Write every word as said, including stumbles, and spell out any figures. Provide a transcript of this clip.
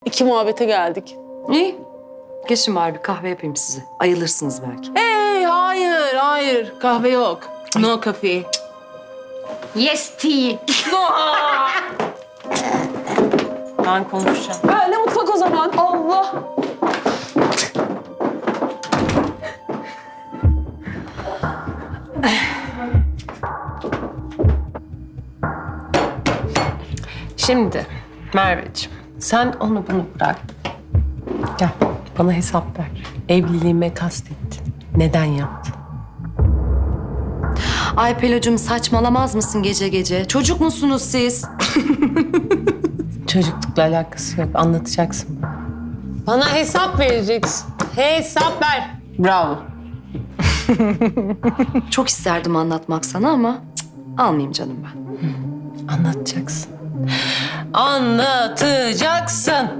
İki muhabbete geldik. İyi. Geçin bari bir kahve yapayım size. Ayılırsınız belki. Hey, hayır, hayır. Kahve yok. No coffee. Yes tea. Ben konuşacağım. Ben de mutfak o zaman. Allah. Şimdi Merveciğim, sen onu bunu bırak. Gel, bana hesap ver. Evliliğime kastettin. Neden yaptın? Ay Pelocuğum saçmalamaz mısın gece gece? Çocuk musunuz siz? Çocuklukla alakası yok. Anlatacaksın bana. Bana hesap vereceksin. Hesap ver. Bravo. Çok isterdim anlatmak sana ama cık, almayayım canım ben. Anlatacaksın. Anlatacaksın.